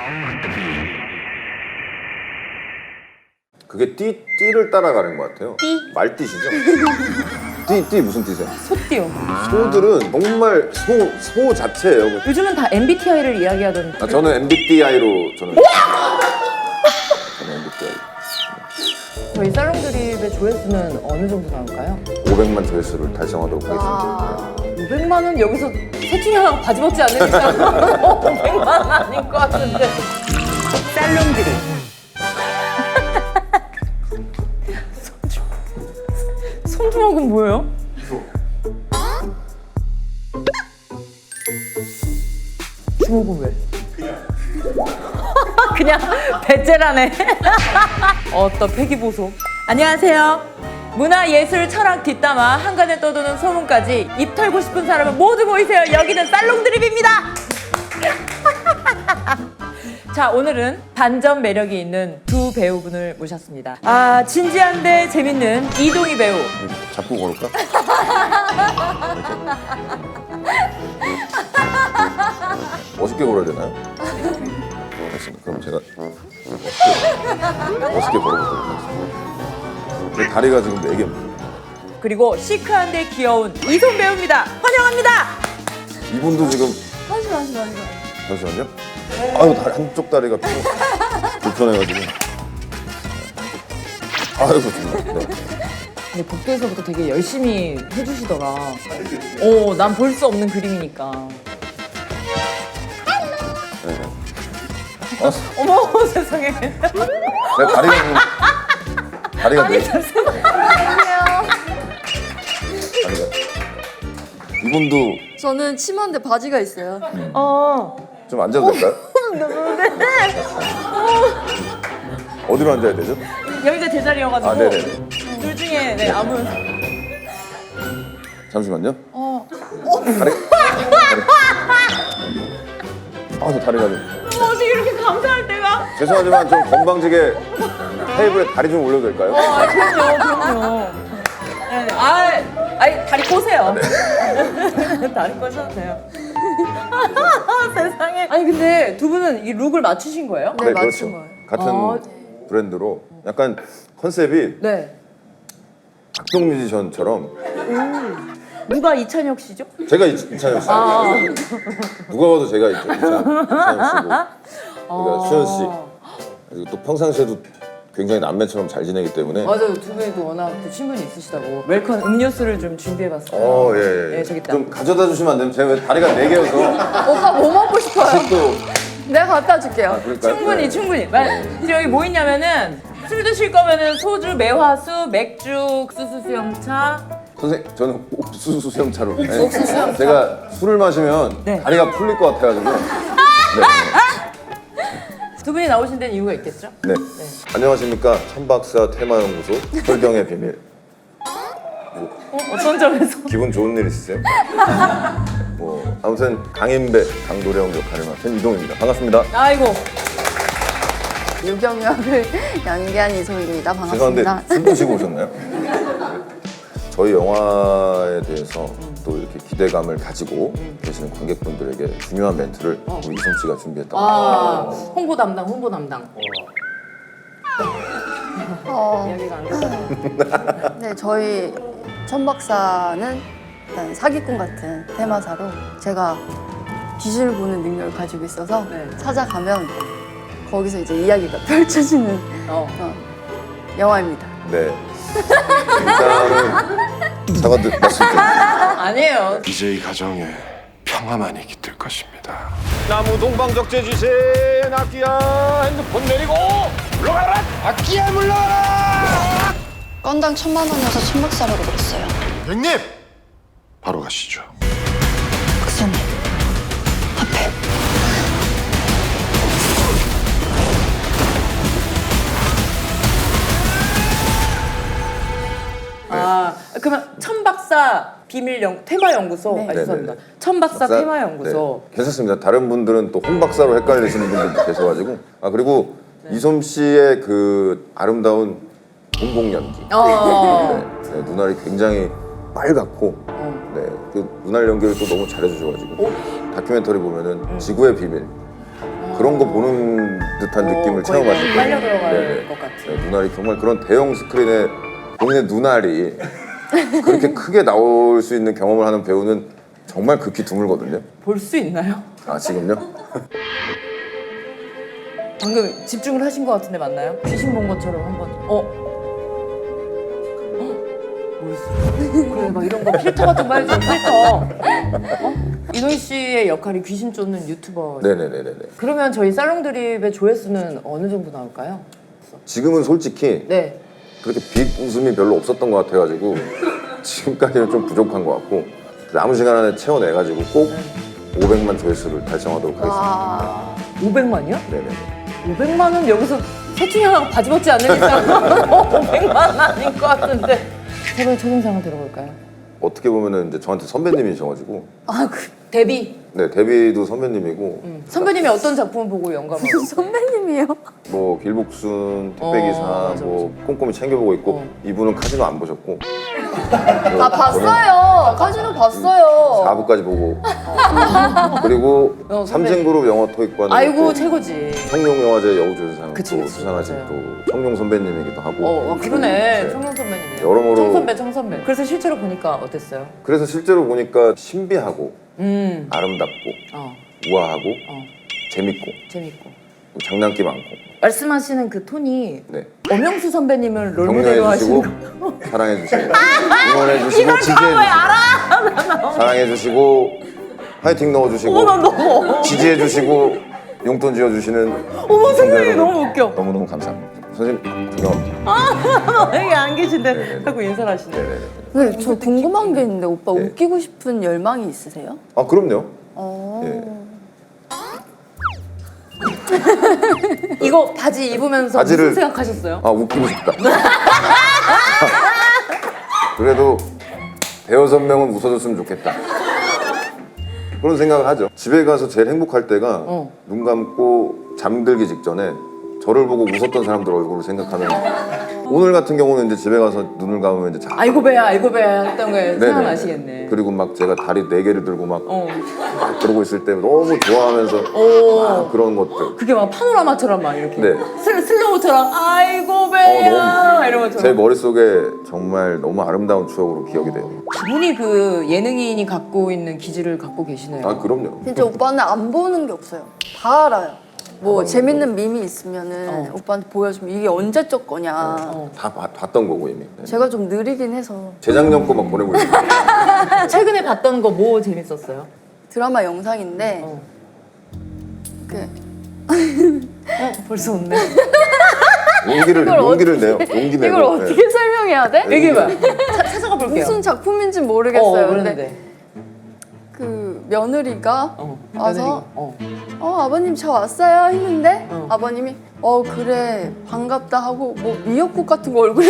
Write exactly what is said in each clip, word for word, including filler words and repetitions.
그게 띠, 띠를 따라가는 것 같아요. 띠? 말띠시죠? 띠, 띠 무슨 띠세요? 소띠요. 소들은 정말 소, 소 자체예요. 요즘은 다 엠비티아이를 이야기하던. 아, 저는 엠비티아이로 저는 저는 엠비티아이. 저희 살롱 드립의 조회수는 어느 정도 나올까요? 오백만 조회수를 달성하도록 하겠습니다. 아, 오백만 원 여기서 셋 중에 하나가 바지 벗지 않는 이상 오백만 원 아닌 것 같은데. 살롱 드립. 손주먹은 뭐예요? 주먹은 왜? 그냥 배째라네. 어떤 패기보소. 안녕하세요. 문화, 예술, 철학 뒷담화 한간에 떠도는 소문까지 입 털고 싶은 사람은 모두 모이세요. 여기는 살롱 드립입니다. 자, 오늘은 반전 매력이 있는 두 배우분을 모셨습니다. 아, 진지한데 재밌는 이동희 배우. 잡고 걸을까? 멋있게 걸어야 되나요? 알겠습니다. 그럼 제가 멋있게 걸어보도록 하겠습니다. 제 다리가 지금 네 개입니다. 그리고 시크한데 귀여운 이솜 배우입니다. 환영합니다. 이분도 지금 잠시만, 잠시만, 잠시만. 잠시만요. 아유, 다리, 한쪽 다리가 좀 불편해가지고. 아이고 정말. 네. 근데 복도에서부터 되게 열심히 해주시더라. 어, 난 볼 수 없는 그림이니까. 네. 아, 어머, 세상에. 내 다리가 좀 다리가 아니, 네. 잠시만요. 다리가. 이분도 저는 치마인데 바지가 있어요. 어. 좀 앉아도 될까요? 어디로 앉아야 되죠? 여기가 제자리여가지고. 아, 네네. 둘 중에, 네, 아무. 잠시만요. 어. 다리. 다리. 아, 저 다리가 좀. 어떻게 이렇게 감사할 때가? 죄송하지만 좀 건방지게 테이블에 다리 좀 올려도 될까요? 아, 그럼요, 그럼요. 네, 아, 아니, 다리 꼬세요. 다리 꼬셔도 돼요. 세상에. 아니, 근데 두 분은 이 룩을 맞추신 거예요? 네, 맞춘 거예요. 같은 아. 브랜드로 약간 컨셉이 네. 각종 뮤지션처럼 누가 이찬혁 씨죠? 제가 이- 이찬혁 씨. 아. 누가 봐도 제가 이찬, 이찬, 이찬혁 씨고 그러니까 수현 씨. 그리고 또 평상시에도 굉장히 남매처럼 잘 지내기 때문에 맞아요. 두 분도 워낙 또 친분이 있으시다고. 웰컴 음료수를 좀 준비해봤어요. 어, 예, 예. 네, 저기 있다. 좀 가져다 주시면 안 되면 제가 왜 다리가 네 개여서 오빠 뭐 먹고 싶어요? 다시 또 내가 갖다 줄게요. 아, 그럴까요? 충분히 네. 충분히. 말, 여기 뭐 있냐면은 술 드실 거면은 소주, 매화수, 맥주, 옥수수 수영차. 선생 저는 옥수수 수영차로. 네. 제가 술을 마시면 네. 다리가 풀릴 것 같아가지고. 네. 두 분이 나오신 데는 이유가 있겠죠? 네. 안녕하십니까 천박사 테마연구소 혈경의 비밀. 어, 어떤 점에서? 기분 좋은 일 있으세요? 뭐 아무튼 강인배 강도령 역할을 맡은 이동입니다. 반갑습니다. 아이고. 유경혁을 연기한 이소입니다. 죄송한데 반갑습니다. 술 드시고 오셨나요? 저희 영화에 대해서 또 이렇게 기대감을 가지고 계시는 관객분들에게 중요한 멘트를 우리 이솜 씨가 준비했다고. 아, 홍보 담당, 홍보 담당. 어, 이야기가 안 됐어요. 네, 저희 천박사는 일단 사기꾼 같은 테마사로 제가 귀신을 보는 능력을 가지고 있어서 네. 찾아가면 거기서 이제 이야기가 펼쳐지는 어. 어, 영화입니다. 네. 일단은 사과드 말씀드립니다. 아니에요. 이제 이 가정에 평화만이 깃들 것입니다. 나무 동방적재 주세 악기야 핸드폰 내리고 물러가라 악기야 물러가라. 건당 천만 원이어서 천박사라고 그랬어요. 형님! 바로 가시죠. 박사님, 앞에. 아, 그러면 천박사 비밀 연 테마 연구소. 네. 아, 죄송합니다. 네네네. 천박사 박사? 테마 연구소. 네, 괜찮습니다. 다른 분들은 또 홍박사로 헷갈리시는 분들도 계셔가지고 아 그리고 이솜 씨의 그 아름다운 공공 연기. 어. 네, 네, 눈알이 굉장히 빨갛고 어. 네, 그 눈알 연기를 또 너무 잘해주셔가지고 다큐멘터리 보면은 지구의 비밀 그런 거 보는 듯한 느낌을 거의 체험하실 거예요. 빨려 들어갈 네네. 것 같아요. 네, 눈알이 정말 그런 대형 스크린에 본인의 눈알이 그렇게 크게 나올 수 있는 경험을 하는 배우는 정말 극히 드물거든요. 볼 수 있나요? 아 지금요? 방금 집중을 하신 것 같은데 맞나요? 귀신 본 것처럼 한번 어? 어? 뭐였어? 그래 막 이런 거 필터 같은 거 해줘 필터 어? 이노희 씨의 역할이 귀신 쫓는 유튜버 네네네네. 그러면 저희 살롱드립의 조회수는 어느 정도 나올까요? 지금은 솔직히 네 그렇게 빅 웃음이 별로 없었던 것 같아가지고 지금까지는 좀 부족한 것 같고 남은 시간 안에 채워내가지고 꼭 오백만 조회수를 달성하도록 하겠습니다. 와. 오백만이요? 네네. 오백만은 여기서 세충이 하나가 바지 벗지 않는 이상 오백만은 아닌 것 같은데 제발 초등상을 들어볼까요? 어떻게 보면은 이제 저한테 선배님이셔가지고 아, 그 데뷔 네 데뷔도 선배님이고 음. 선배님이 어떤 작품을 보고 영감을 선배님이에요? 뭐 길복순, 택배기사, 어, 맞아, 뭐 꼼꼼히 챙겨보고 있고 어. 이분은 카지노 안 보셨고 아, 봤어요. 카지노 봤어요. 사 부까지 보고 그리고 어, 선배. 삼진그룹 영어 토익과는 아이고 또 최고지 청룡영화제 여우조연상 그치, 또 그치, 수상하신 맞아요. 또 청룡 선배님이기도 하고 어, 어 그러네 네. 청룡 선배님이네 여러모로- 청선배 청선배 그래서 실제로 보니까 어땠어요? 그래서 실제로 보니까 신비하고 음 아름답고 어, 우아하고 어, 재밌고 재밌고 장난기 많고 말씀하시는 그 톤이 네. 엄영수 선배님을 롤모델로 격려해주시고 하시는 사랑해주시고 응원해주시고 지지해주시고 사랑해주시고 화이팅 넣어주시고 어머 나 너무 지지해주시고 용돈 지어주시는 어머 시청자 선생님 여러분, 너무 웃겨 너무너무 감사합니다. 선생님 존경합니다. 여기 안 계신데 네네네. 자꾸 인사를 하시네 네네네. 네, 저 궁금한 게 있는데 오빠 네. 웃기고 싶은 열망이 있으세요? 아 그럼요. 어. 예. 이거 바지 입으면서 바지를- 무슨 생각하셨어요? 아 웃기고 싶다. 그래도 대여섯 명은 웃어줬으면 좋겠다. 그런 생각을 하죠. 집에 가서 제일 행복할 때가 어. 눈 감고 잠들기 직전에 저를 보고 웃었던 사람들 얼굴을 생각하는. 오늘 같은 경우는 이제 집에 가서 눈을 감으면 이제 자. 아이고 배야 아이고 배야 했던 거에 네네. 생각나시겠네 그리고 막 제가 다리 네 개를 들고 막, 어. 막 그러고 있을 때 너무 좋아하면서 오. 막 그런 것들. 그게 막 파노라마처럼 막 이렇게 네. 슬, 슬로우처럼 아이고 배야 어, 이런 제 것처럼 머릿속에 정말 너무 아름다운 추억으로 기억이 돼요. 다분히 그 예능인이 갖고 있는 기질을 갖고 계시네요 아 그럼요. 진짜 오빠는 안 보는 게 없어요. 다 알아요. 뭐 재밌는 밈이 있으면은 어. 오빠한테 보여주면 이게 언제적 거냐. 어. 다 봐- 봤던 거고 이미. 네. 제가 좀 느리긴 해서 재작년 거 막 보내고 있어요. 최근에 봤던 거 뭐 재밌었어요? 드라마 영상인데 어. 그 어 벌써 웃네 용기를 이걸 용기를 내요. 용기 내고. 이걸 어떻게 설명해야 돼? 네. 얘기해봐 차- 찾아가 볼게요 무슨 작품인지 어, 모르겠어요. 그랬는데 근데 그 며느리가 어, 와서 며느리가, 어. 어 아버님 저 왔어요 했는데 어. 아버님이 어 그래 반갑다 하고 뭐 미역국 같은 거 얼굴에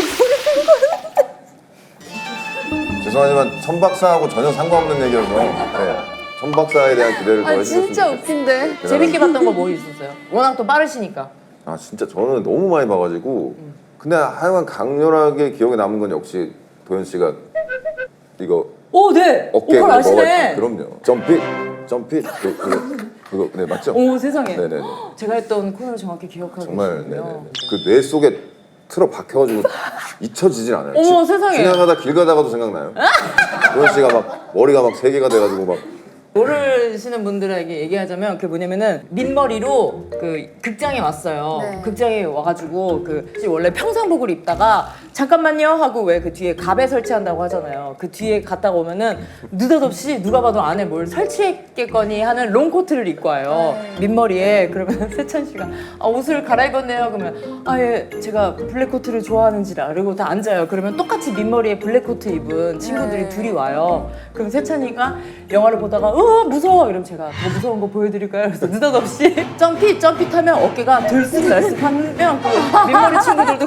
죄송하지만 천 박사하고 전혀 상관없는 얘기여서 네. 천 박사에 대한 기대를 더 아 해주셨으면 진짜 좋겠어요. 웃긴데 재밌게 봤던 거 뭐 있었어요? 워낙 또 빠르시니까 아 진짜 저는 너무 많이 봐가지고 근데 하여간 강렬하게 기억에 남은 건 역시 도현 씨가 이거 오, 네! 어깨에 오컬 아시네! 그럼요. 점피 점피 그, 그거 그거 네 맞죠? 오, 세상에. 네네네. 제가 했던 코너를 정확히 기억하고 정말 네네. 계시군요. 그 뇌 속에 틀어 박혀가지고 잊혀지질 않아요. 어머, 지- 세상에. 지나가다 길 가다가도 생각나요. 도현 씨가 막 머리가 막 세 개가 돼가지고 막 모르시는 분들에게 얘기하자면 그 뭐냐면은 민머리로 그 극장에 왔어요. 네. 극장에 와가지고 그 원래 평상복을 입다가 잠깐만요 하고 왜 그 뒤에 갑에 설치한다고 하잖아요. 그 뒤에 갔다가 오면은 느닷없이 누가 봐도 안에 뭘 설치했겠거니 하는 롱코트를 입고 와요. 민머리에. 그러면 세찬 씨가 아, 옷을 갈아입었네요. 그러면 아예 제가 블랙코트를 좋아하는지라. 그리고 다 앉아요. 그러면 똑같이 민머리에 블랙코트 입은 친구들이 네. 둘이 와요. 그럼 세찬이가 영화를 보다가 어 무서워 이러면 제가 더 무서운 거 보여드릴까요? 그래서 느닷없이 점피 점피 타면 어깨가 들쑥날쑥하면 그 민머리 친구들도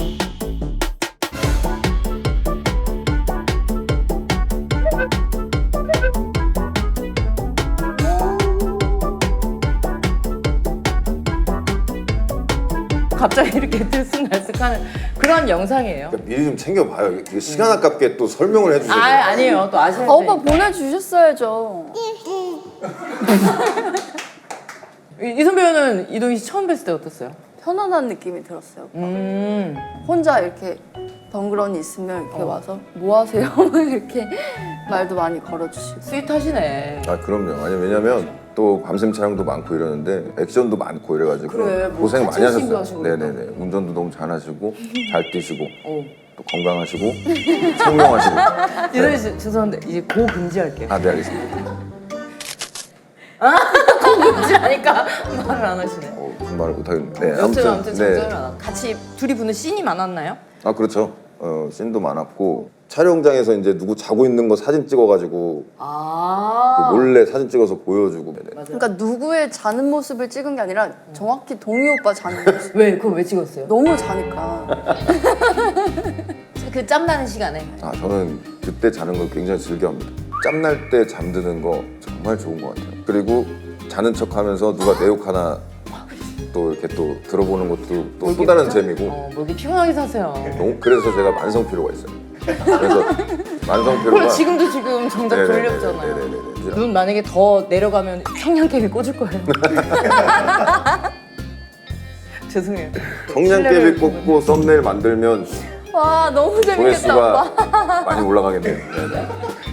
갑자기 이렇게 들쑥날쑥하는 그런 영상이에요. 그러니까 미리 좀 챙겨봐요. 이게 시간 아깝게 또 설명을 해주세요. 아 아니에요. 또 아시는 아, 오빠 보내주셨어야죠. 이- 이선 배우는 이동희 씨 처음 뵀을 때 어땠어요? 편안한 느낌이 들었어요. 음. 혼자 이렇게 덩그러니 있으면 이렇게 어. 와서 뭐 하세요? 이렇게 말도 많이 걸어주시고. 스윗하시네. 아 그럼요. 아니 왜냐면 또 밤샘 촬영도 많고 이러는데 액션도 많고 이래가지고 그래, 뭐 고생 많이 카체싱도 하셨어요. 하시고 그러니까. 네네네. 운전도 너무 잘하시고 잘 뛰시고 어. 또 건강하시고 청명하시고. 이동희 씨 죄송한데 이제 고 금지할게요. 아 네 알겠습니다. 고 금지하니까 말을 안 하시네. 어, 무슨 말을 못하겠네. 네, 아무튼 아무튼 네. 정정을 안 하고. 같이 둘이 붙는 씬이 많았나요? 아 그렇죠. 어, 씬도 많았고 촬영장에서 이제 누구 자고 있는 거 사진 찍어가지고 아. 그 몰래 사진 찍어서 보여주고. 네네. 맞아요. 그러니까 누구의 자는 모습을 찍은 게 아니라 정확히 동희 오빠 자는 모습. 왜 그걸 왜 찍었어요? 너무 자니까. 그 짬나는 시간에. 아 저는 그때 자는 걸 굉장히 즐겨합니다. 짬날 때 잠드는 거 정말 좋은 것 같아요. 그리고 자는 척하면서 누가 내 욕 하나 또 이렇게 또 들어보는 것도 또, 또 다른 재미고. 어, 뭐 이렇게 피곤하게 사세요. 너무- 그래서 제가 만성 피로가 있어요. 그래서 만성 그럼 피로가. 지금도 지금 정작 네네네네, 졸렸잖아요. 네네네네. 눈 만약에 더 내려가면 청량깨비 꽂을 거예요. 죄송해요. 청량깨비 꽂고 썸네일 만들면 와 너무 재밌겠다 오빠. 조회수가 많이 올라가겠네요. 네네.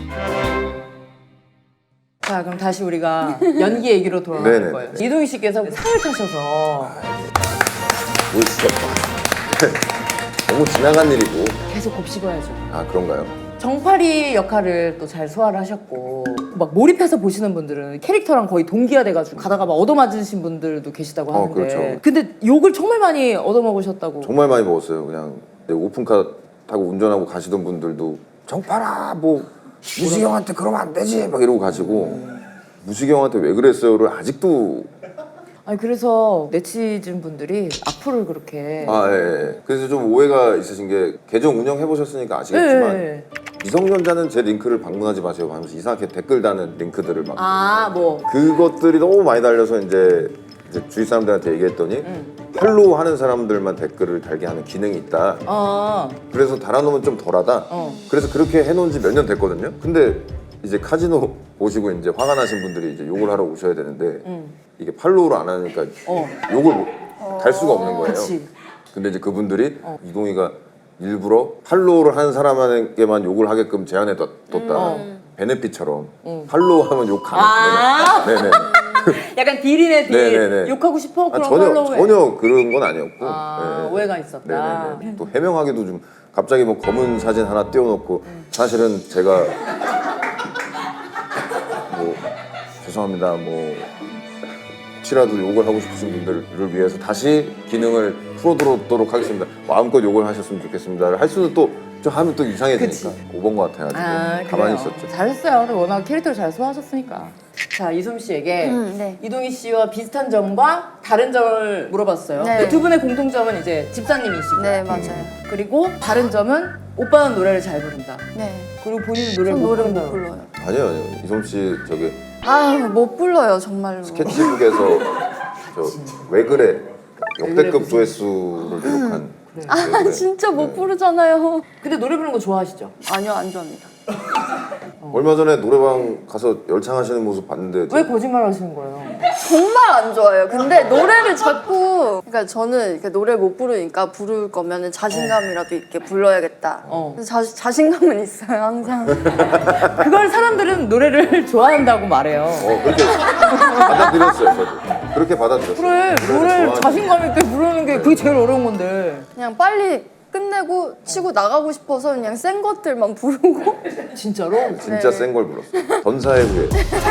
자 그럼 다시 우리가 연기 얘기로 돌아갈 네네. 거예요. 이동희 씨께서 상을 타셔서 뭐 진짜 너무 지나간 일이고. 계속 곱씹어야죠. 아 그런가요? 정파리 역할을 또 잘 소화를 하셨고 막 몰입해서 보시는 분들은 캐릭터랑 거의 동기화돼가지고 가다가 막 얻어맞으신 분들도 계시다고 어, 하는데 그렇죠. 근데 욕을 정말 많이 얻어먹으셨다고. 정말 많이 먹었어요. 그냥 오픈카 타고 운전하고 가시던 분들도 정파라 뭐 무식이 형한테 그러면 안 되지 막 이러고 가시고 무식이 형한테 왜 그랬어요를 아직도. 아니 그래서 네티즌 분들이 악플을 그렇게 아 예, 예. 그래서 좀 오해가 있으신 게 계정 운영해 보셨으니까 아시겠지만 예. 미성년자는 제 링크를 방문하지 마세요 하면서 이상하게 댓글 다는 링크들을 막 아뭐 그것들이 너무 많이 달려서 이제, 이제 주위 사람들한테 얘기했더니 음. 팔로우 하는 사람들만 댓글을 달게 하는 기능이 있다. 어. 그래서 달아놓으면 좀 덜하다. 어. 그래서 그렇게 해놓은 지 몇 년 됐거든요. 근데 이제 카지노 보시고 이제 화가 나신 분들이 이제 욕을 하러 오셔야 되는데 음. 이게 팔로우를 안 하니까 어. 욕을 못- 달 수가 없는 거예요. 그치. 근데 이제 그분들이 어. 이동희가 일부러 팔로우를 하는 사람에게만 욕을 하게끔 제한해 뒀- 뒀다. 베네핏처럼 팔로우 하면 욕 음. 아. 가능. 네네. 약간 딜이네 딜. 네네네. 욕하고 싶어? 아, 그럼 전혀 팔로우해. 전혀 그런 건 아니었고. 아, 네. 오해가 있었다. 네네네. 또 해명하기도 좀 갑자기 뭐 검은 사진 하나 띄워놓고 사실은 제가 뭐 죄송합니다 뭐 혹시라도 욕을 하고 싶으신 분들을 위해서 다시 기능을 풀어두도록 하겠습니다. 마음껏 욕을 하셨으면 좋겠습니다. 할 수는 또 좀 하면 또 이상해지니까 오번 것 같아가지고 아, 가만히 그래요. 있었죠. 잘했어요. 근데 워낙 캐릭터를 잘 소화하셨으니까. 자, 이솜 씨에게 음, 네. 이동희 씨와 비슷한 점과 다른 점을 물어봤어요. 네. 근데 두 분의 공통점은 이제 집사님이시고 네 맞아요. 그리고 다른 점은 오빠는 노래를 잘 부른다. 네. 그리고 본인은 노래를 전 못 노래 부른다. 못 불러요. 아니요 아니요 이솜 씨 저기 아못 불러요 정말로. 스케치북에서 저 왜 그래 역대급 조회수를 기록한 왜 아 그래. 진짜 못 부르잖아요. 근데 노래 부르는 거 좋아하시죠? 아니요 안 좋아합니다. 얼마 전에 노래방 가서 열창하시는 모습 봤는데 왜 거짓말 하시는 거예요? 정말 안 좋아해요. 근데 노래를 자꾸 그러니까 저는 이렇게 노래 못 부르니까 부를 거면은 자신감이라도 있게 불러야겠다. 어. 그래서 자, 자신감은 있어요 항상. 그걸 사람들은 노래를 좋아한다고 말해요. 어 그렇게 받아들였어요 저도 그렇게 받아들였어요. 그래, 노래를 노래를 좋아하니까. 자신감 있게 부르는 게 그게 제일 어려운 건데. 그냥 빨리 끝내고 치고 나가고 싶어서 그냥 센 것들만 부르고. 진짜로? 진짜 네. 센 걸 불렀어요. 전사의 후예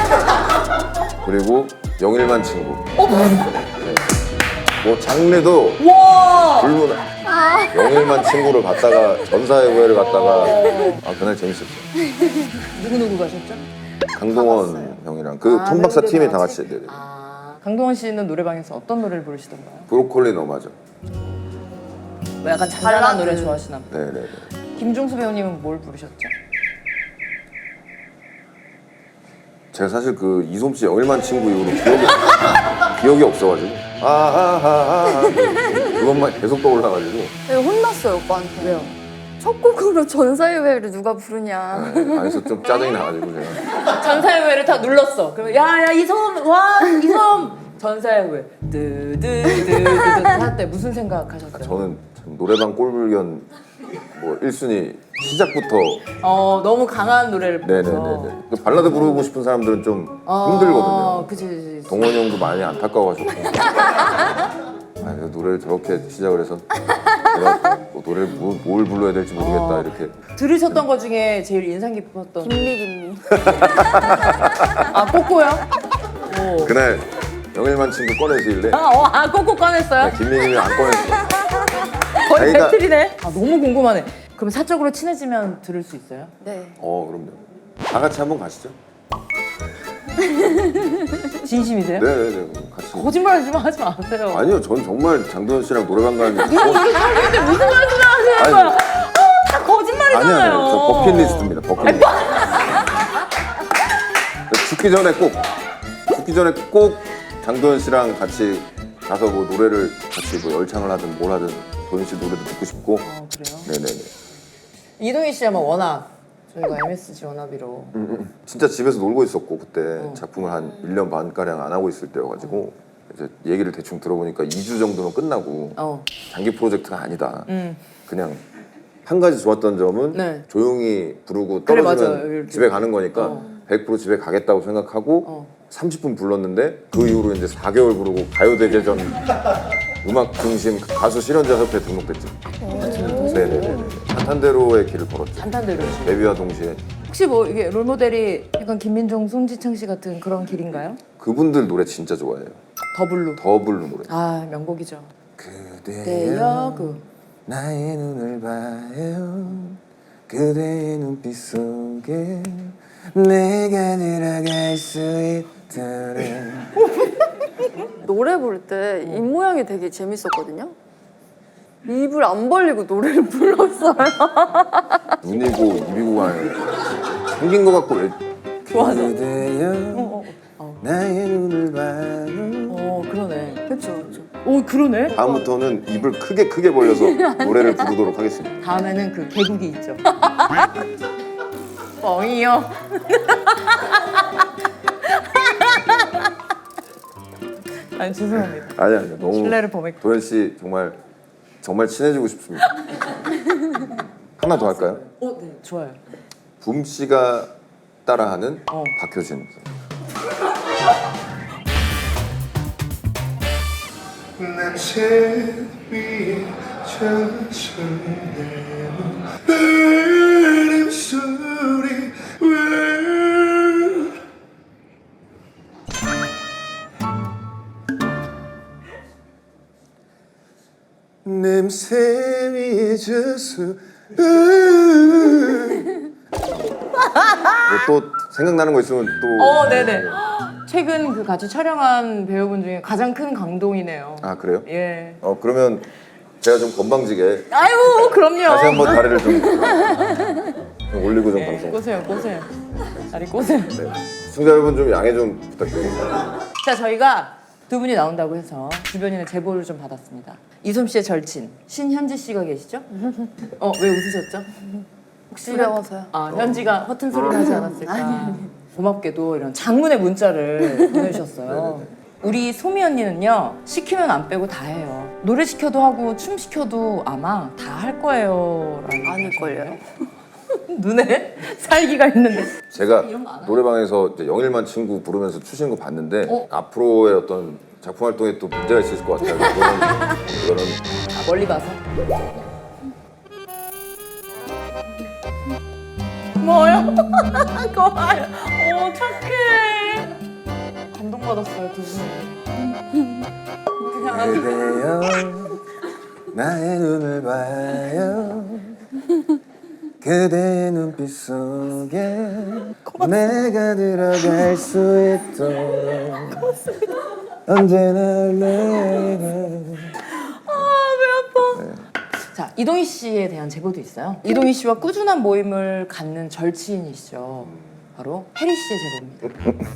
그리고 영일만 친구. 네. 뭐 장르도 와! 불문. 영일만 친구를 갔다가 전사의 후예를 갔다가 아 그날 재밌었죠. 누구누구 가셨죠? 강동원 형이랑 그 아, 톰박사 멤버들 팀이 다 다 같이? 같이 네네. 아, 강동원 씨는 노래방에서 어떤 노래를 부르시던가요? 브로콜리 너마저. 뭐 약간 잔잔한 발라드. 노래 좋아하시나 봐요. 네네네. 김종수 배우님은 뭘 부르셨죠? 제가 사실 그 이솜 씨 영일만 친구 이후로 기억이 기억이 없어가지고 아하하하 그것만 계속 떠올라가지고 네, 혼났어요 오빠한테. 왜요? 첫 곡으로 전사의 후예를 누가 부르냐. 네, 안에서 좀 짜증이 나가지고 제가 전사의 외를 다 눌렀어. 그러면 야야 이솜 와 이솜 전사의 후회. 드드드드드 할 때 무슨 생각하셨어요? 저는 참 노래방 꼴불견 뭐 일 순위 시작부터 어 너무 강한 노래를 불러서. 네네네네. 그 발라드 부르고 싶은 사람들은 좀 어, 힘들거든요. 그치, 그치. 동원이 형도 많이 안타까워하셨고. 아, 노래를 저렇게 시작을 해서 내가 뭐 노래를 뭐, 뭘 불러야 될지 모르겠다 어. 이렇게. 들으셨던 것 중에 제일 인상 깊었던. 김미 김미. 아 꼬꼬요? 오. 그날 영일만 친구 꺼내시길래 아, 어, 아 꼬꼬 꺼냈어요? 김민님이 안 꺼냈어. 거의 자기가- 배틀이네. 아 너무 궁금하네. 그럼 사적으로 친해지면 들을 수 있어요? 네. 어 그럼요. 다 같이 한번 가시죠. 진심이세요? 네네네 같이. 거짓말 좀 하지 마세요. 아니요, 전 정말 장도연 씨랑 노래방 가는데 근데 무슨 말씀을 하시는 아니, 거야? 어, 다 아니 거짓말이잖아요. 아니 저 버킷리스트입니다. 버킷리스트. 죽기 전에 꼭 죽기 전에 꼭 장도연 씨랑 같이 가서 뭐 노래를 같이 뭐 열창을 하든 뭘 하든 도연 씨 노래도 듣고 싶고. 어, 그래요? 네네네. 이동희 씨야 뭐 워낙 저희가 엠에스지 워너비로 음, 음. 진짜 집에서 놀고 있었고 그때 어. 작품을 한 일 년 반 가량 안 하고 있을 때여가지고 이제 얘기를 대충 들어보니까 이 주 정도면 끝나고 어. 장기 프로젝트가 아니다. 음. 그냥 한 가지 좋았던 점은 네. 조용히 부르고 그래, 떨어지면 맞아요. 이렇게. 집에 가는 거니까 어. 백 퍼센트 집에 가겠다고 생각하고 어. 삼십 분 불렀는데 그 이후로 이제 사 개월 부르고 가요대제전 음악 중심 가수 실현자 협회에 등록됐죠. 네네네. 탄탄대로의 길을 걸었죠. 단탄대로 데뷔와 동시에 혹시 뭐 이게 롤모델이 약간 김민종, 송지창 씨 같은 그런 길인가요? 그분들 노래 진짜 좋아해요. 더블로. 더블로 노래. 아 명곡이죠. 그대여 대여 그 나의 눈을 봐요. 그대의 눈빛 속에 내가 들어갈 수 있도록. 노래 부를 때 입 모양이 되게 재밌었거든요. 입을 안 벌리고 노래를 불렀어요. 눈이고 입이고 가는 생긴 거 같고 왜 좋아서. 그대여 어, 어, 나의 눈을 봐요. 어 그러네. 그렇죠, 그렇죠. 오 그러네. 다음부터는 입을 크게 크게 벌려서 노래를 부르도록 하겠습니다. 다음에는 그 개국이 있죠. 뻥이요. 아니 죄송합니다. 아니 아니 너무 신뢰를 범했고. 도현 씨 정말 정말 친해지고 싶습니다. 하나 더 할까요? 어, 네 좋아요. 붐 씨가 따라하는 어. 박효신. 냄새 위에 젖어내는 바람 소리 왜 냄새 위에 젖어 또 생각나는 거 있으면 또. 어, 네네. 최근 그 같이 촬영한 배우분 중에 가장 큰 감동이네요. 아 그래요? 예. 어 그러면 제가 좀 건방지게 아유, 그럼요. 다시 한번 다리를 좀, 좀 올리고 좀 예, 방송. 꼬세요, 꼬세요. 다리 꼬세요. 네. 시청자 여러분 좀 양해 좀 부탁드립니다. 자, 저희가 두 분이 나온다고 해서 주변인의 제보를 좀 받았습니다. 이솜 씨의 절친 신현지 씨가 계시죠? 어, 왜 웃으셨죠? 혹시 두려워서요. 아, 현지가 허튼 소리를 하지 않았을까? 고맙게도 이런 장문의 문자를 보내주셨어요. 우리 소미 언니는요, 시키면 안 빼고 다 해요. 노래 시켜도 하고 춤 시켜도 아마 다 할 거예요. 라고 아닐걸요? 눈에 살기가 있는데. 제가 이런 거안 하나? 노래방에서 이제 영일만 친구 부르면서 추시는 거 봤는데 어? 앞으로의 어떤 작품 활동에 또 문제가 있을 것 같아요. 이거는, 이거는 아, 멀리 봐서. 뭐요? 고마워요. 오, 착해. 감동받았어요, 두 분. 그대여 나의 눈을 봐요. 그대의 눈빛 속에 내가 들어갈 수 있도록 언제나 내가. 자, 이동희 씨에 대한 제보도 있어요. 이동희 씨와 꾸준한 모임을 갖는 절친이시죠. 바로 혜리 씨의 제보입니다.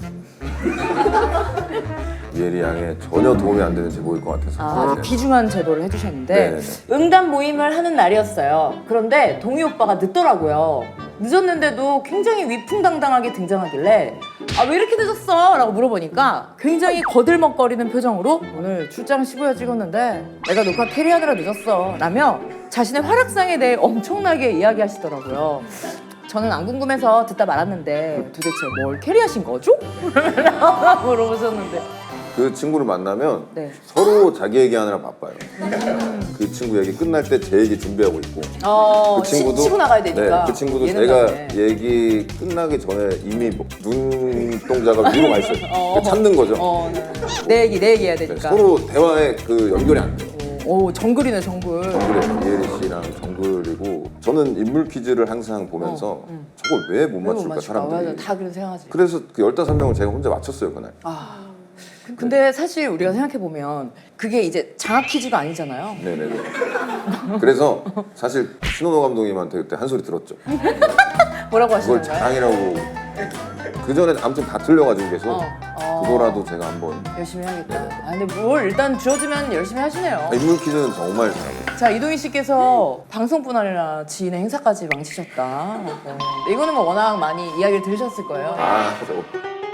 예리 양에 전혀 도움이 안 되는 제보일 것 같아서. 아, 네. 귀중한 제보를 해주셨는데 네네네. 응답 모임을 하는 날이었어요. 그런데 동희 오빠가 늦더라고요. 늦었는데도 굉장히 위풍당당하게 등장하길래 아 왜 이렇게 늦었어? 라고 물어보니까 굉장히 거들먹거리는 표정으로 오늘 출장 십오 회 찍었는데 내가 녹화 캐리하느라 늦었어 라며 자신의 활약상에 대해 엄청나게 이야기하시더라고요. 저는 안 궁금해서 듣다 말았는데 도대체 뭘 캐리하신 거죠? 라고 물어보셨는데 그 친구를 만나면 네. 서로 자기 얘기하느라 바빠요. 그 친구 얘기 끝날 때 제 얘기 준비하고 있고 어, 그 친구도 치, 고 나가야 되니까 네, 그 친구도 얘는 제가 나네. 얘기 끝나기 전에 이미 뭐 눈동자가 위로 가 있어요. 어. 찾는 거죠. 어, 내 얘기 내 얘기 해야 네, 되니까 서로 대화에 그 연결이 안 돼요. 오 정글이네 정글. 정글에 이혜리 씨랑 정글이고 저는 인물 퀴즈를 항상 보면서 어, 음. 저걸 왜 못 왜 못 맞출까 맞출까? 사람들이. 맞아, 다 그렇게 생각하지. 그래서 그 열다섯 명을 제가 혼자 맞췄어요 그날. 아, 근데 사실 우리가 생각해 보면 그게 이제 장학 퀴즈가 아니잖아요. 네네네. 그래서 사실 신원호 감독님한테 그때 한 소리 들었죠. 뭐라고 그걸 하시는 거예요? 자랑이라고. 그 전에 아무튼 다 틀려가지고 계속 어, 어. 그거라도 제가 한번. 열심히 해야겠다. 아 근데 뭘 일단 주어지면 열심히 하시네요. 인물 퀴즈는 정말 잘해요. 자 이동희 씨께서 방송뿐 아니라 지인의 행사까지 망치셨다. 네. 이거는 뭐 워낙 많이 이야기를 들으셨을 거예요. 아, 저거.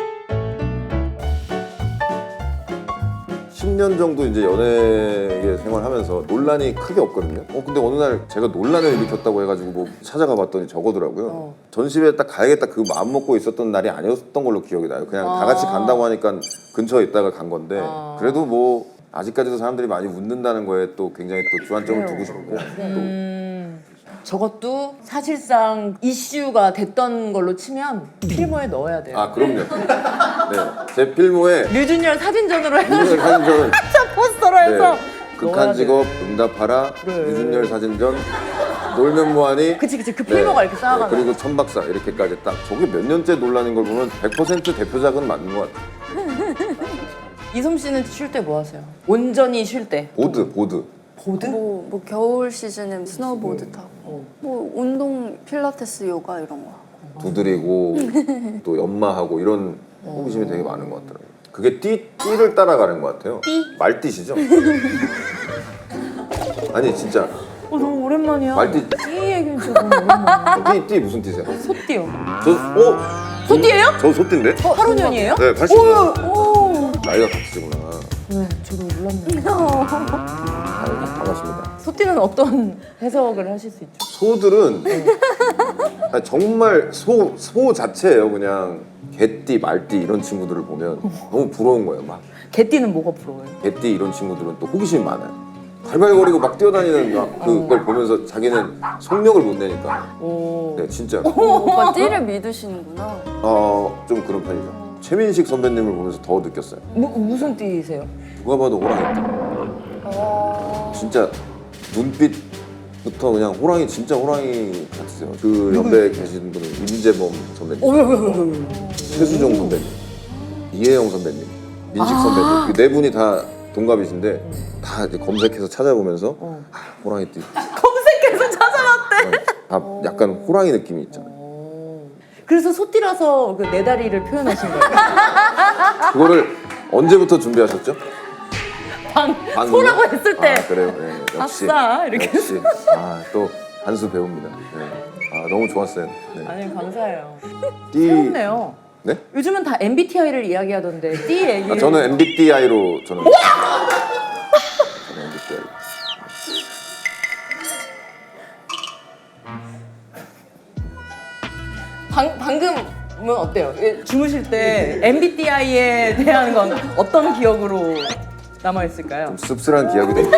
십 년 정도 이제 연예계 생활하면서 논란이 크게 없거든요. 어 근데 어느 날 제가 논란을 일으켰다고 해가지고 뭐 찾아가 봤더니 저거더라고요. 어. 전시회에 딱 가야겠다 그 마음 먹고 있었던 날이 아니었던 걸로 기억이 나요. 그냥 아. 다 같이 간다고 하니까 근처에 있다가 간 건데 아. 그래도 뭐 아직까지도 사람들이 많이 웃는다는 거에 또 굉장히 또 주안점을 두고 싶고 또 음, 저것도 사실상 이슈가 됐던 걸로 치면 필모에 넣어야 돼요. 아 그럼요. 네, 제 필모에 류준열 사진전으로 해서 윤석열 사진전 포스터로 해서 네, 넣어야 극한 돼요. 직업 응답하라 그래. 유준열 사진전 놀면 뭐하니 그치 그치 그 필모가 이렇게 쌓아가는 그리고 천박사 이렇게까지 딱 저게 몇 년째 논란인 걸 보면 백 퍼센트 대표작은 맞는 것 같아요. 이솜 씨는 쉴 때 뭐 하세요? 온전히 쉴 때 보드 보드 보드? 뭐, 뭐 겨울 시즌에 스노우보드 타고 어. 뭐 운동 필라테스 요가 이런 거 하고 두드리고 또 연마하고 이런 호기심이 되게 많은 것 같더라고요. 그게 띠, 띠를 따라가는 것 같아요. 띠? 말띠시죠? 아니 진짜 어 너무 오랜만이야. 말띠 띠 얘기는 진짜 너무 오랜만이야. 띠, 띠 무슨 띠세요? 소띠요. 저, 어? 소띠예요? 저 소띠인데? 어, 팔 호년이에요? 네, 팔십오 년. 오. 나이가 같으시구나. 네, 저도 몰랐네요. 아유, 반갑습니다. 소띠는 어떤 해석을 하실 수 있죠? 소들은 아니, 정말 소, 소 자체예요. 그냥 개띠, 말띠 이런 친구들을 보면 너무 부러운 거예요. 막 개띠는 뭐가 부러워요? 개띠 이런 친구들은 또 호기심이 많아요. 발발거리고 막 뛰어다니는 막 그걸 보면서 자기는 속력을 못 내니까. 오. 네, 진짜. 오빠 띠를 믿으시는구나. 어, 좀 그런 편이죠. 최민식 선배님을 보면서 더 느꼈어요. 무, 무슨 띠세요? 누가 봐도 호랑이띠. 어... 진짜 눈빛부터 그냥 호랑이 진짜 호랑이 같으세요. 그 연배에 계신 분은 임재범 선배님, 어, 왜, 왜, 왜, 왜, 왜. 최수종 선배님, 이혜영 선배님, 민식 선배님 그 네 분이 다 동갑이신데 다 이제 검색해서 찾아보면서 어. 아, 호랑이띠. 검색해서 찾아봤대. 다 약간 호랑이 느낌이 있잖아요. 오. 그래서 소띠라서 그 네 다리를 표현하신 거예요? 그거를 언제부터 준비하셨죠? 방, 방금요? 소라고 했을 때. 아, 그래요. 네, 역시. 아싸, 이렇게 역시. 아, 또 한 수 배웁니다. 네. 아, 너무 좋았어요. 네. 아니 감사해요. 띠... 새롭네요. 네? 요즘은 다 엠비티아이를 이야기하던데 띠 얘기. 아, 저는 엠비티아이로 저는. 저는 엠비티아이. 방, 방금은 어때요? 예, 주무실 때 엠비티아이에 대한 건 어떤 기억으로 남아 있을까요? 좀 씁쓸한 기억이 되니까.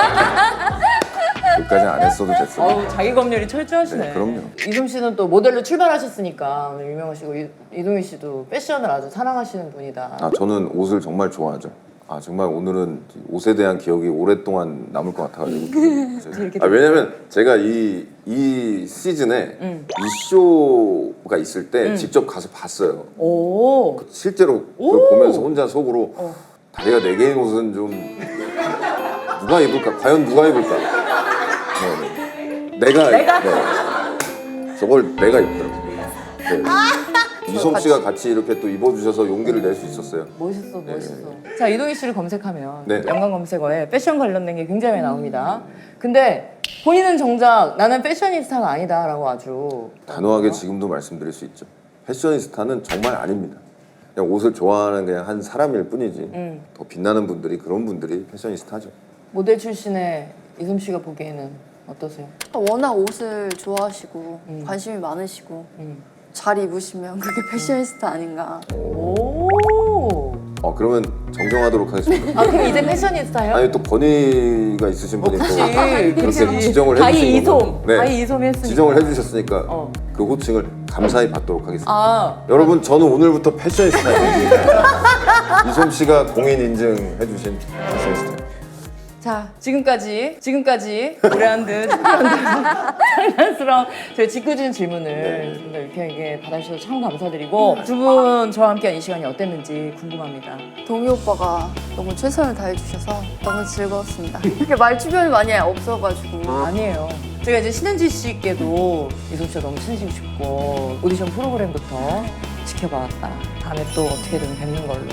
여기까지 안 했어도 됐어요. 어우 자기 검열이 철저하시네. 네, 그럼요. 이솜 씨는 또 모델로 출발하셨으니까 오늘 유명하시고 이, 이동희 씨도 패션을 아주 사랑하시는 분이다. 아, 저는 옷을 정말 좋아하죠. 아, 정말 오늘은 옷에 대한 기억이 오랫동안 남을 것 같아가지고. 이렇게 아, 왜냐면 제가 이, 이 시즌에 응. 이쇼가 있을 때 직접 가서 봤어요. 오. 실제로 오! 그걸 보면서 혼자 속으로 어. 다리가 네 개인 옷은 좀 누가 입을까? 과연 누가 입을까? 네, 네. 내가 내가? 네. 저걸 내가 입더라고요. 네. 이솜 씨가 같이 이렇게 또 입어주셔서 용기를 낼 수 있었어요. 멋있어, 멋있어. 자, 이동희 씨를 검색하면 네. 연관 검색어에 패션 관련된 게 굉장히 많이 나옵니다. 근데 본인은 정작 나는 패셔니스타가 아니다라고 아주 단호하게 지금도 말씀드릴 수 있죠. 패셔니스타는 정말 아닙니다. 그냥 옷을 좋아하는 그냥 한 사람일 뿐이지 음. 더 빛나는 분들이 그런 분들이 패셔니스타죠. 모델 출신의 이솜 씨가 보기에는 어떠세요? 워낙 옷을 좋아하시고 음. 관심이 많으시고 음. 잘 입으시면 그게 패셔니스타 아닌가. 오. 어 그러면 정정하도록 하겠습니다. 아 그럼 이제 패셔니스타예요? 아니 또 권위가 있으신 분이 또 그치. 그렇게 그치. 지정을 바이 해주신 이솜. 거고. 네. 바이 이솜 했으니까. 지정을 해주셨으니까 어. 그 호칭을 감사히 받도록 하겠습니다. 아. 여러분 저는 오늘부터 패셔니스타입니다. 이솜 씨가 공인 인증해주신 패셔니스타. 자, 지금까지, 지금까지 오래한 듯 장난스러운 저희 짓궂은 질문을 좀 더 유쾌하게 받아주셔서 참 감사드리고 두 분 저와 함께한 이 시간이 어땠는지 궁금합니다. 동희 오빠가 너무 최선을 다해주셔서 너무 즐거웠습니다. 이렇게 말 주변이 많이 없어가지고. 아니에요. 제가 이제 신은지 씨께도 이솜 씨가 너무 친해지고 싶고 오디션 프로그램부터 지켜봐왔다. 다음에 또 어떻게든 뵙는 걸로.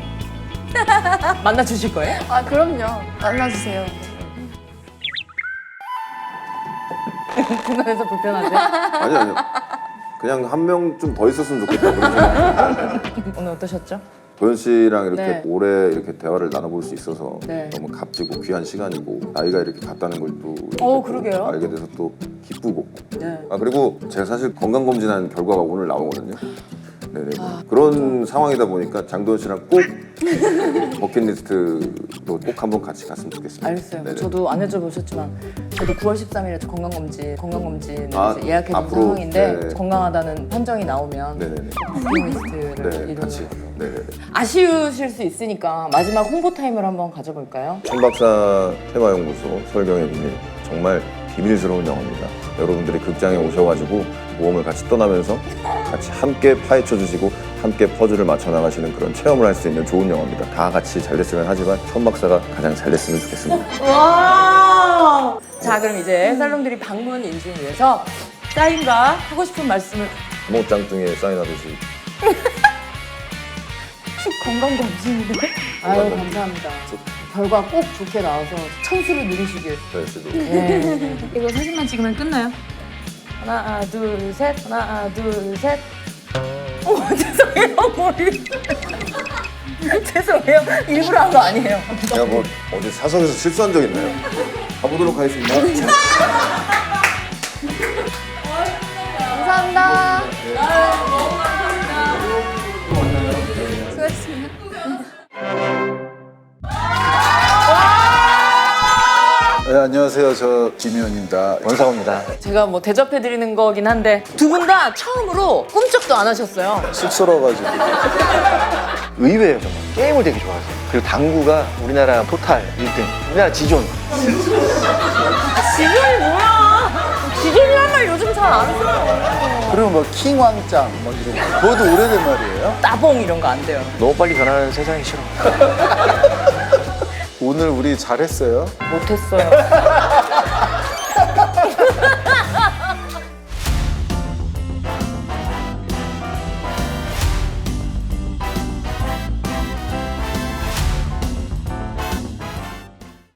만나주실 거예요? 아 그럼요. 만나주세요. 중간에서 불편한데? 아니 아니요. 그냥 한 명 좀 더 있었으면 좋겠다. 그런 생각. 오늘 어떠셨죠? 도현 씨랑 이렇게 네. 오래 이렇게 대화를 나눠볼 수 있어서 네. 너무 값지고 귀한 시간이고 나이가 이렇게 같다는 걸 또 어, 그러게요. 알게 돼서 또 기쁘고 네. 아 그리고 제가 사실 건강 검진한 결과가 오늘 나오거든요. 네네 그런 상황이다 보니까 장도연 씨랑 꼭 버킷리스트도 꼭 한번 같이 갔으면 좋겠습니다. 알겠어요. 네네. 저도 안 여쭤보셨지만 저도 구월 십삼일에 건강검진 건강검진을 아, 이제 예약해둔 앞으로, 상황인데 네. 건강하다는 판정이 나오면 네네네. 버킷리스트를 네 이루는 같이 네네네. 아쉬우실 수 있으니까 마지막 홍보 타임을 한번 가져볼까요? 천박사 테마연구소 설경의 비밀 정말 비밀스러운 영화입니다. 여러분들이 극장에 오셔가지고 모험을 같이 떠나면서 같이 함께 파헤쳐 주시고 함께 퍼즐을 맞춰 나가시는 그런 체험을 할 수 있는 좋은 영화입니다. 다 같이 잘 됐으면 하지만 천박사가 가장 잘 됐으면 좋겠습니다. 와! 자 그럼 이제 살롱들이 방문 인증 위해서 사인과 하고 싶은 말씀을 모 짱뚱이에 사인하듯이 건강검진인데? 아유 감사합니다. 결과 꼭 좋게 나와서 천수를 누리시길. 도현 씨도 네. 이거 사진만 찍으면 끝나요? 하나, 둘, 셋. 하나, 둘, 셋. 어, 죄송해요. 머리. 죄송해요. 일부러 한 거 아니에요. 제가 뭐 어디 사석에서 실수한 적 있나요? 가보도록 하겠습니다. 감사합니다. 수고하셨습니다. 네, 안녕하세요. 저 김희원입니다. 원상호입니다. 제가 뭐 대접해드리는 거긴 한데 두 분 다 처음으로 꿈쩍도 안 하셨어요. 쑥스러워가지고. 의외예요 정말. 게임을 되게 좋아하세요. 그리고 당구가 우리나라 토탈 일 등, 우리나라 지존. 지존이 뭐야? 지존이란 말 요즘 잘 안 써요. 그리고 뭐 킹왕짱 뭐 이런 거. 그것도 오래된 말이에요. 따봉 이런 거 안 돼요. 너무 빨리 변하는 세상이 싫어. 오늘 우리 잘했어요. 못했어요.